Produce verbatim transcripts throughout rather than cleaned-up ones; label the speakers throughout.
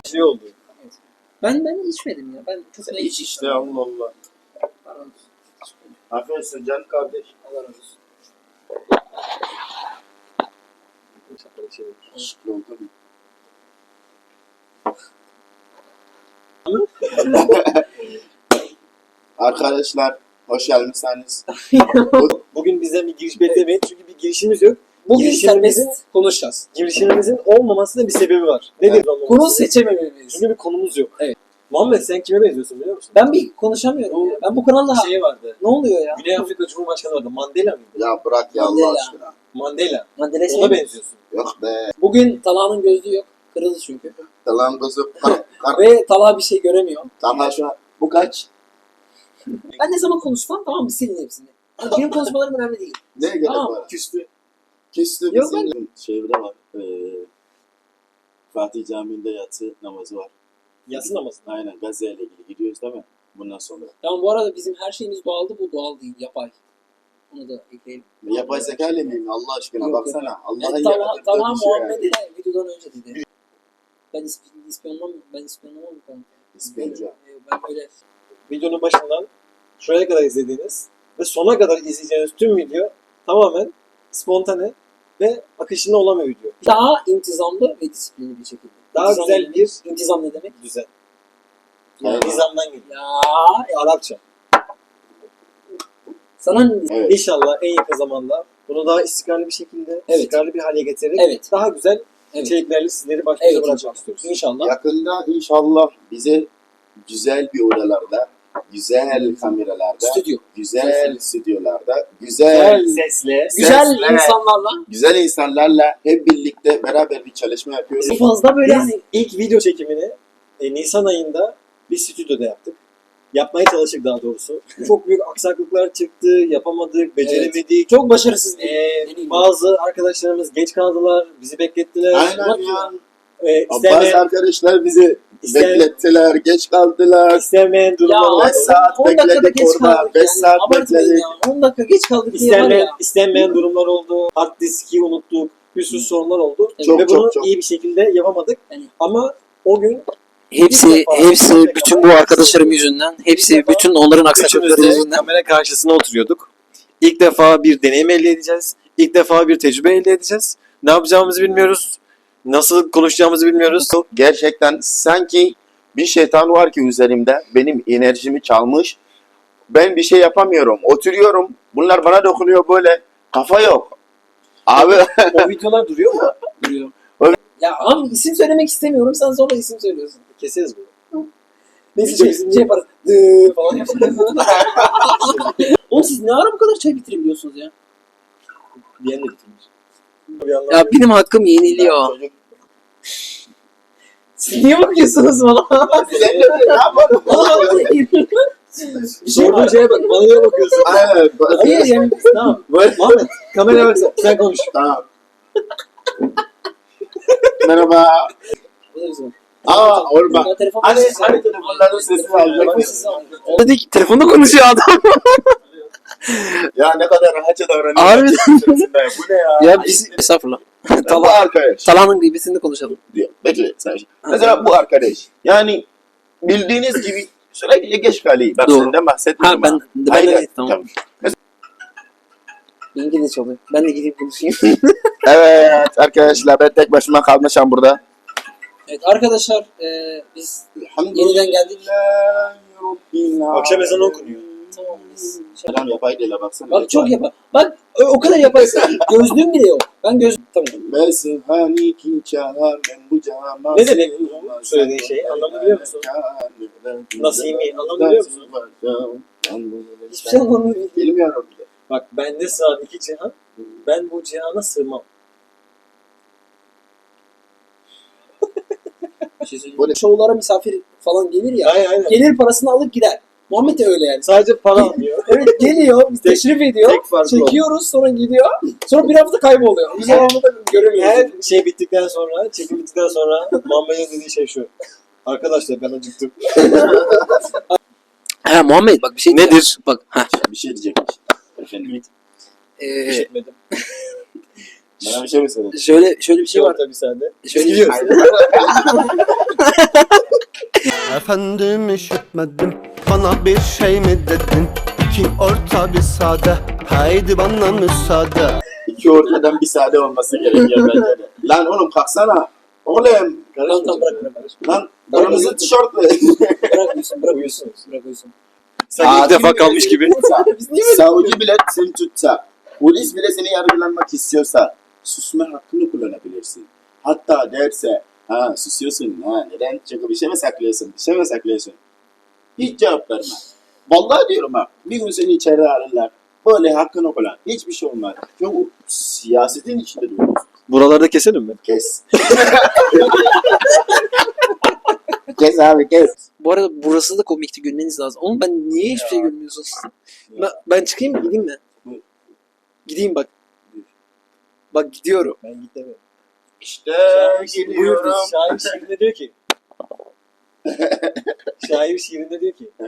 Speaker 1: Şey oldu.
Speaker 2: Ben ben içmedim ya. Ben çok ne
Speaker 3: İç işte Allah Allah. Aferin olsun canım kardeş.
Speaker 2: Allah razı olsun.
Speaker 3: Şıklı oldu mu? Arkadaşlar hoş geldiniz.
Speaker 1: Bugün bizden bir giriş beklemeyin çünkü bir girişimiz yok.
Speaker 2: Bugün
Speaker 1: Girişimimizin-
Speaker 2: serbest konuşacağız.
Speaker 1: Girişimimizin olmamasının bir sebebi var. Nedir
Speaker 3: Evet.
Speaker 1: olmaması?
Speaker 2: Konu seçememeliyiz.
Speaker 1: Çünkü bir konumuz yok.
Speaker 2: Evet.
Speaker 1: Muhammed sen kime benziyorsun biliyor musun?
Speaker 2: Ben bir konuşamıyorum ya. Ben bu kanalda
Speaker 1: Bir şey vardı.
Speaker 2: ne oluyor ya?
Speaker 1: Güney Afrika Cumhurbaşkanı vardı. Mandela mıydı?
Speaker 3: Ya bırak ya
Speaker 2: Mandela.
Speaker 3: Allah aşkına.
Speaker 1: Mandela.
Speaker 2: Mandela şey
Speaker 1: Ona
Speaker 2: mi?
Speaker 1: benziyorsun.
Speaker 3: Yok be.
Speaker 2: Bugün Talha'nın gözlüğü yok. Kırıldı çünkü.
Speaker 3: Yalan kızı. Kar, kar.
Speaker 2: Ve Talha bir şey göremiyor.
Speaker 3: Tamam şu an. Bu kaç?
Speaker 2: Ben ne zaman konuşsam tamam mı silin hepsini. Yani benim konuşmalarım önemli değil.
Speaker 3: Ne gerek
Speaker 2: Tamam.
Speaker 3: var?
Speaker 1: Küstü.
Speaker 3: Küstü
Speaker 2: Yok,
Speaker 3: bizim şehirde var. Ee, Fatih Camii'nde yatsı namazı var.
Speaker 1: Yatsı namazı.
Speaker 3: Aynen Gazze ile ilgili gidiyoruz değil mi? Bundan sonra.
Speaker 2: Tamam bu arada bizim her şeyimiz doğaldı. Bu doğal değil. Yapay. Onu da ekleyelim.
Speaker 3: Yapay zeka ile miyim Allah aşkına
Speaker 2: Yok,
Speaker 3: baksana. Allah'ın
Speaker 2: Yani Talha,
Speaker 3: yarattığı
Speaker 2: Talha
Speaker 3: bir şey
Speaker 2: Muhammed'e
Speaker 3: yani.
Speaker 2: videodan önce dedi. Ben isp- ispiyonlamam, ben ispiyonlamam bu konuda.
Speaker 3: İspiyoncu.
Speaker 2: Ben böyle
Speaker 1: Videonun başından şuraya kadar izlediğiniz ve sona kadar izleyeceğiniz tüm video tamamen spontane ve akışında olan bir video.
Speaker 2: daha intizamlı ve disiplinli bir şekilde.
Speaker 1: Daha
Speaker 2: İntizam-
Speaker 1: güzel bir
Speaker 2: İntizam ne demek?
Speaker 1: düzen.
Speaker 3: Evet.
Speaker 1: Nizamdan geliyor.
Speaker 2: Ya
Speaker 1: Arapça.
Speaker 2: sana ne diyeyim?
Speaker 3: Evet.
Speaker 1: İnşallah en yakın zamanda bunu daha istikrarlı bir şekilde,
Speaker 2: Evet.
Speaker 1: istikrarlı bir hale getirerek
Speaker 2: Evet.
Speaker 1: daha güzel
Speaker 2: Evet.
Speaker 1: içeriklerle sizleri baş başa
Speaker 2: Evet.
Speaker 1: bırakmak istiyoruz.
Speaker 2: İnşallah.
Speaker 3: Yakında inşallah bize güzel bir odalarda, güzel kameralarda,
Speaker 2: Stüdyo.
Speaker 3: güzel stüdyolarda, güzel
Speaker 1: Güzel sesle,
Speaker 2: Güzel
Speaker 3: Sesle.
Speaker 2: insanlarla.
Speaker 3: güzel insanlarla hep birlikte beraber bir çalışma yapıyoruz.
Speaker 2: Fazla böyle
Speaker 1: biz
Speaker 2: hani
Speaker 1: ilk video çekimini e, Nisan ayında bir stüdyoda yaptık. Yapmaya çalıştık daha doğrusu. Çok büyük aksaklıklar çıktı, yapamadık, beceremedik.
Speaker 2: çok başarısız bir
Speaker 1: Ee,
Speaker 2: deneyim.
Speaker 1: bazı arkadaşlarımız geç kaldılar, bizi beklettiler.
Speaker 3: Aynen ya.
Speaker 1: Ee,
Speaker 3: Bazı
Speaker 1: istemeyen,
Speaker 3: arkadaşlar bizi
Speaker 1: istemeyen,
Speaker 3: beklettiler, geç kaldılar.
Speaker 1: istemeyen durumlar
Speaker 2: Ya
Speaker 1: oldu.
Speaker 3: beş saat
Speaker 2: on dakikada
Speaker 3: bekledik
Speaker 2: geç
Speaker 3: orada,
Speaker 2: kaldık
Speaker 3: beş
Speaker 2: yani.
Speaker 3: saat
Speaker 2: Abartmayın
Speaker 3: bekledik.
Speaker 2: ya. on dakika geç kaldık diye var
Speaker 1: İstenmeyen,
Speaker 2: ya.
Speaker 1: istenmeyen durumlar oldu. Hard diski unuttuk. Bir sürü sorunlar oldu.
Speaker 3: Çok,
Speaker 1: Ve
Speaker 3: çok,
Speaker 1: bunu
Speaker 3: çok.
Speaker 1: iyi bir şekilde yapamadık.
Speaker 2: Yani-
Speaker 1: Ama o gün
Speaker 2: Hepsi,
Speaker 1: İlk defa-
Speaker 2: hepsi
Speaker 1: ilk
Speaker 2: bütün
Speaker 1: defa-
Speaker 2: bu arkadaşlarım yüzünden, hepsi
Speaker 1: İlk defa-
Speaker 2: bütün onların aksaklıkları
Speaker 1: üçümüz de
Speaker 2: yüzünden.
Speaker 1: kamera karşısına oturuyorduk. İlk defa bir deneyim elde edeceğiz. İlk defa bir tecrübe elde edeceğiz. Ne yapacağımızı bilmiyoruz. Nasıl konuşacağımızı bilmiyoruz.
Speaker 3: Gerçekten sanki bir şeytan var ki üzerimde benim enerjimi çalmış. Ben bir şey yapamıyorum. Oturuyorum. Bunlar bana dokunuyor böyle. Kafa yok. Abi
Speaker 1: O videolar duruyor mu?
Speaker 2: Duruyor.
Speaker 3: Öyle-
Speaker 2: Ya abi isim söylemek istemiyorum, sen sonra isim söylüyorsun.
Speaker 1: Keseriz bunu.
Speaker 2: Neyse
Speaker 1: Video
Speaker 2: şey,
Speaker 1: bizim
Speaker 2: şey
Speaker 1: değil.
Speaker 2: yaparız. Dıı falan yaparız. Oğlum siz ne ara bu kadar çay bitirebiliyorsunuz ya?
Speaker 1: Diyen de bitirmiş. Bir yandan
Speaker 2: Ya benim hakkım yeniliyor.
Speaker 3: Çocuk-
Speaker 2: Siz niye bakıyorsunuz bana?
Speaker 3: Sen de ne yapalım?
Speaker 2: Bir şey
Speaker 1: sorduğun
Speaker 2: var.
Speaker 1: şeye bak. Bana niye bakıyorsun?
Speaker 3: Aynen.
Speaker 2: Hayır yani
Speaker 1: Tamam. Muhammed kameraya baksana. Sen konuş.
Speaker 3: Tamam. Merhaba.
Speaker 2: Bu da bizim.
Speaker 3: Aa orman.
Speaker 2: Ya telefon
Speaker 3: Hani
Speaker 2: sesi-
Speaker 3: hani telefonların sesini
Speaker 2: Telefon
Speaker 3: alacak.
Speaker 2: sesi alıyor. Dedik telefonda konuşuyor adam.
Speaker 3: Ya ne kadar rahatça davranıyor.
Speaker 2: Harbiden.
Speaker 3: Bu ne ya?
Speaker 2: Ya biz estağfurullah.
Speaker 3: Bu
Speaker 2: Talha,
Speaker 3: arkadaş.
Speaker 2: Talha'nın gıybetini konuşalım.
Speaker 3: Diyor. Bekle sen. Mesela bu arkadaş. Yani bildiğiniz gibi sürekli geç kalıyor. Bak
Speaker 2: Doğru.
Speaker 3: senden bahsetmiyorum.
Speaker 2: Ha ben ben
Speaker 3: Aynen.
Speaker 2: de tamam. Benimki de çalıyor. Ben de gidip konuşayım.
Speaker 3: Evet arkadaşlar ben tek başıma kalmışım burada.
Speaker 2: Evet arkadaşlar e, biz yeniden geldik.
Speaker 1: Akşam ezanı okunuyor.
Speaker 2: Tamam biz. Şey,
Speaker 3: Adam yapay değil baksana.
Speaker 2: bak çok yapar. Bak o, o kadar yaparsın. Gözlüğüm bile yok. Ben göz tamam.
Speaker 3: Mesih hani kim çağır ben bu cama.
Speaker 1: Ne demek bu söylediğin şey? Anlamını biliyor musun? Nasimi, anlamını biliyor musun?
Speaker 2: Hiçbir şey anlamıyorum.
Speaker 3: Bilmiyorum bile.
Speaker 1: Bak bende sığan iki cihan. Ben bu cihana sığmam.
Speaker 2: Bir şey söyleyeyim.
Speaker 3: Bu ne?
Speaker 2: Şovlara misafir falan gelir ya.
Speaker 1: Aynen aynen.
Speaker 2: Gelir parasını alıp gider. Muhammed de öyle yani.
Speaker 1: Sadece para almıyor.
Speaker 2: Evet geliyor, biz teşrif ediyor.
Speaker 1: Tek farkı o.
Speaker 2: Çekiyoruz sonra gidiyor. Sonra bir hafta kayboluyor. Biz devamlı da göremiyoruz.
Speaker 1: Her şey bittikten sonra, çekim bittikten sonra Muhammed'in dediği şey şu. Arkadaşlar ben acıktım.
Speaker 2: Ha Muhammed bak bir şey
Speaker 1: Nedir?
Speaker 2: Bak ha.
Speaker 3: Bir şey diyecekmiş. Efendim.
Speaker 2: Ee,
Speaker 1: İşitmedim.
Speaker 3: Bana bir şey mi söyledin?
Speaker 2: Şöyle şöyle bir şey var.
Speaker 1: Tabii sende.
Speaker 2: Şöyle
Speaker 1: Gidiyoruz.
Speaker 4: Efendim üşütmedim, bana bir şey mi dedin? İki orta bir sade, haydi bana müsaade.
Speaker 3: İki ortadan bir sade olması gerekiyor bence de. Lan oğlum kalksana. Oğlum.
Speaker 2: Tamam tamam bırak bırak. bırak.
Speaker 3: Lan kırmızı tişörtlü.
Speaker 2: Bırak uyusun bırak uyusun. Bırak uyusun.
Speaker 1: Sanki ilk defa kalmış gibi.
Speaker 2: Biz niye böyle?
Speaker 3: Savcı bile seni tutsa, polis bile seni yargılanmak istiyorsa susma hakkını kullanabilirsin. Hatta derse, ha susuyorsun, ha neden? Çünkü bir şey mi saklıyorsun, bir şey mi saklıyorsun? Hiç cevap verme. Vallahi diyorum ha, bir gün seni içeri alırlar. Böyle hakkını kullan. Hiçbir şey olmaz. Çünkü siyasetin içinde duruyorsun.
Speaker 1: Buralarda keselim mi?
Speaker 3: Kes. Kes abi kes.
Speaker 2: Bu arada burası da komikti, gülmeniz lazım. Oğlum ben niye hiçbir şey gülmüyorsunuz? Ben, ben çıkayım mı gideyim mi?
Speaker 3: Buyur.
Speaker 2: Gideyim bak. Bak gidiyorum.
Speaker 1: Ben gidemiyorum.
Speaker 3: İşte
Speaker 1: Buyurdu.
Speaker 3: geliyorum.
Speaker 1: Şair şiirinde diyor ki. Şair şiirinde diyor ki.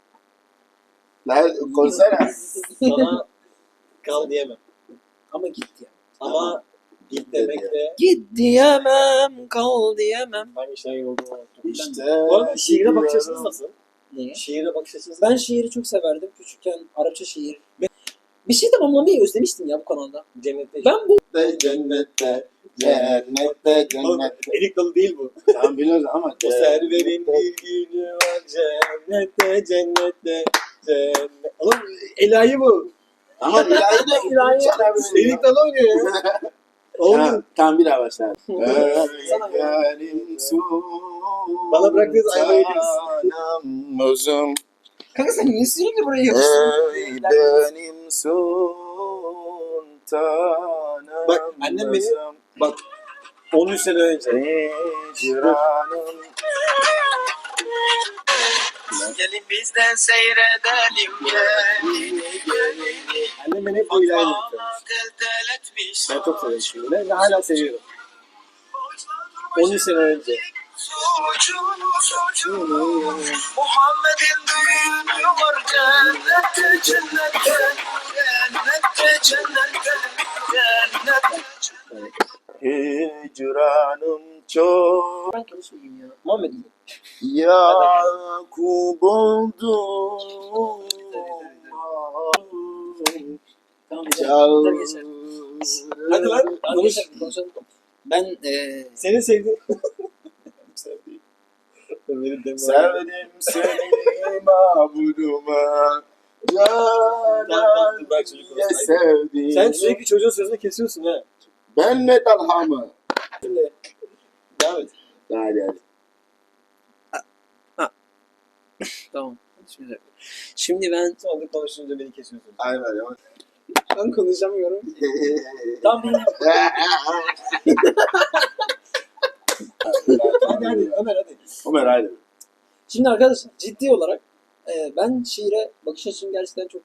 Speaker 3: Lan konuşsana.
Speaker 1: Sana kal diyemem.
Speaker 2: Ama git ya.
Speaker 1: Ama git demekle
Speaker 2: Git diyemem, kal diyemem.
Speaker 1: hangi şair olduğunu unuttum.
Speaker 3: İşte
Speaker 1: Bu arada şiire bakış açınız
Speaker 3: geliyorum.
Speaker 1: nasıl?
Speaker 2: Neye?
Speaker 1: Şiire bakış açınız
Speaker 2: Ben şiiri çok severdim. Küçükken Arapça şiir. Bir şey tamamlamayı özlemiştim ya bu kanalda.
Speaker 1: Cennette.
Speaker 2: Ben bu
Speaker 3: Cennette, cennette, cennette,
Speaker 1: Oğlum,
Speaker 3: cennette.
Speaker 1: Erik Dalı değil bu.
Speaker 3: Tamam biliyoruz ama
Speaker 1: O serverin bir günü var cennette, cennette, cennet. Oğlum Elahi bu.
Speaker 3: Ama ilahi de ilahi
Speaker 1: Erik Dalı oynuyor ya. Oğlum.
Speaker 3: Tamam, tamam bir daha başla.
Speaker 2: Sana-
Speaker 1: Bana bıraktığınız ayvayı yediniz.
Speaker 3: Uzun.
Speaker 2: kanka sen niye sürekli buraya yapıştırıyorsun?
Speaker 3: Ey benim sultanım.
Speaker 1: Bak, annem beni- Bak on üç sene önce.
Speaker 3: Hicranım.
Speaker 5: Gelin bizden seyredelim gelini gelini.
Speaker 1: Annem beni hep bu ilahi
Speaker 5: Fatma
Speaker 1: yapıyor.
Speaker 5: tel tel etmiş.
Speaker 1: Ben çok seviyorum şimdi ve hala seviyorum. on üç sene önce.
Speaker 5: Suçu suçu. Muhammed'in düğünü var cennette cennette. Cennette cennette. Cennette.
Speaker 3: Hicranım çok.
Speaker 2: Ben konuşmayayım ya. Muhammed iyi.
Speaker 3: Yakup oldu.
Speaker 2: Tamam
Speaker 3: Çal.
Speaker 2: geçer. geçer.
Speaker 1: Hadi lan
Speaker 2: Hadi
Speaker 1: konuş.
Speaker 2: geçer, konuşalım. Ben eee
Speaker 1: Senin sevdiğin. Sevdiğim. Benim de var.
Speaker 3: Sevdim seni mabuduma.
Speaker 1: Tamam, tamam, bırak çocuk
Speaker 3: Ya
Speaker 1: konuşsun.
Speaker 3: sevdim.
Speaker 1: Sen sürekli çocuğun sözünü kesiyorsun ha.
Speaker 3: Ben ne talhamı?
Speaker 1: Devam et.
Speaker 3: Hadi hadi.
Speaker 2: tamam. Şimdi, şimdi ben
Speaker 1: Sonra da konuşunca beni kesiyorsun.
Speaker 3: Aynen aynen.
Speaker 2: ben konuşamıyorum. Tamam benim.
Speaker 1: Hadi hadi Ömer hadi.
Speaker 3: Ömer hadi.
Speaker 2: Şimdi arkadaşlar ciddi olarak eee, ben şiire bakış açım gerçekten çok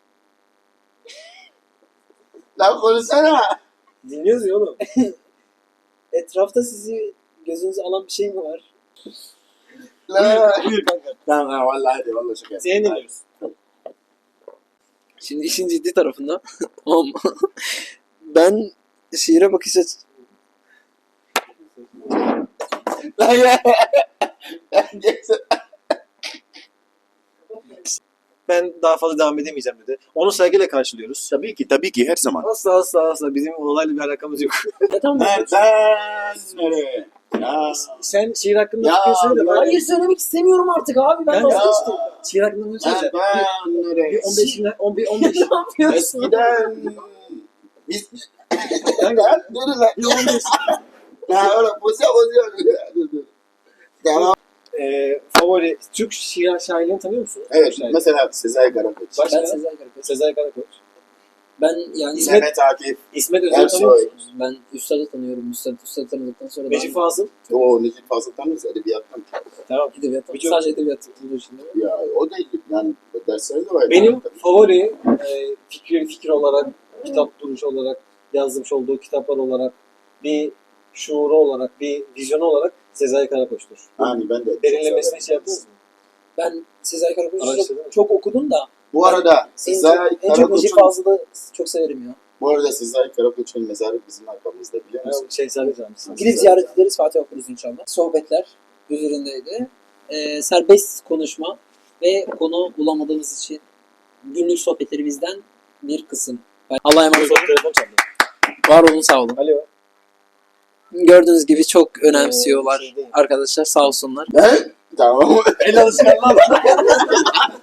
Speaker 3: Lan konuşsana.
Speaker 1: Dinliyoruz ya oğlum.
Speaker 2: etrafta sizi gözünüze alan bir şey mi var?
Speaker 3: Lan.
Speaker 1: Buyur kanka.
Speaker 3: Tamam tamam vallahi hadi vallahi şaka.
Speaker 1: Seni dinliyoruz.
Speaker 2: Şimdi işin ciddi tarafında tamam mı? Ben şiire bakış açım
Speaker 3: Lan ya.
Speaker 1: Ben daha fazla devam edemeyeceğim dedi. Onu saygıyla karşılıyoruz.
Speaker 3: Tabii ki tabii ki her zaman.
Speaker 1: Asla asla asla bizim olayla bir alakamız yok.
Speaker 2: ya tamam mı?
Speaker 3: Nereden nereye? Ya.
Speaker 1: Sen şiir hakkında
Speaker 3: Ya,
Speaker 1: fikir söyle. Ben,
Speaker 2: Hayır söylemek istemiyorum artık abi ben
Speaker 1: Ben-
Speaker 2: vazgeçtim.
Speaker 1: şiir hakkında ne söyle?
Speaker 3: Nereden nereye?
Speaker 1: Bir on beş on beş on beş
Speaker 2: Ne yapıyorsun?
Speaker 3: Eskiden biz
Speaker 1: Kanka
Speaker 3: nereye lan?
Speaker 1: bir on beş
Speaker 3: Ya oğlum bozuyor bozuyor. Dur, dur. Devam.
Speaker 1: Eee favori Türk şiir şairlerini tanıyor musun?
Speaker 3: Evet
Speaker 1: Şair.
Speaker 3: mesela Sezai Karakoç.
Speaker 1: Başka?
Speaker 2: Ben Sezai Karakoç.
Speaker 1: Sezai Karakoç.
Speaker 2: Ben yani
Speaker 1: İsmet-
Speaker 3: Mehmet Akif.
Speaker 1: İsmet Özel'i tanıyor
Speaker 3: Ersoy.
Speaker 1: musun?
Speaker 2: ben Üstad'ı tanıyorum. Üstad, Üstad'ı tanıdıktan sonra
Speaker 1: Necip Fazıl.
Speaker 3: O Necip Fazıl tanırız edebiyattan.
Speaker 1: Tamam.
Speaker 2: ben edebiyat,
Speaker 1: Birçok-
Speaker 2: sadece edebiyat tutulduğu için değil mi?
Speaker 3: Ya o değil yani dersleri de var.
Speaker 1: Benim favori e, fikri fikir olarak, kitap duruşu olarak, yazmış olduğu kitaplar olarak, bir şuuru olarak, bir vizyonu olarak Sezai Karakoç'tur.
Speaker 3: Yani ben de.
Speaker 1: Derinlemesine şey yaptınız mı?
Speaker 2: Ben Sezai Karakoç'u
Speaker 1: Araştırdın mı?
Speaker 2: çok, çok okudum da
Speaker 3: Bu arada
Speaker 2: en
Speaker 3: Sezai
Speaker 2: çok, en çok Necip
Speaker 3: Karakoç'un
Speaker 2: Fazıl'ı çok severim ya.
Speaker 3: Bu arada Sezai Karakoç'un mezarı bizim arkamızda biliyor musun?
Speaker 1: Ben şey söyleyeceğim.
Speaker 2: Gidip ziyaret ederiz, Fatih okuruz inşallah. Sohbetler üzerindeydi. Ee, serbest konuşma ve konu bulamadığımız için günlük sohbetlerimizden bir kısım. Allah'a emanet olun.
Speaker 1: Telefon çaldı.
Speaker 2: Var olun, sağ olun.
Speaker 1: Alo.
Speaker 2: Gördüğünüz gibi çok önemsiyorlar
Speaker 1: Ee, şey değil.
Speaker 2: arkadaşlar, sağ olsunlar.
Speaker 3: Ben? Tamam.
Speaker 1: El alışkanlığı.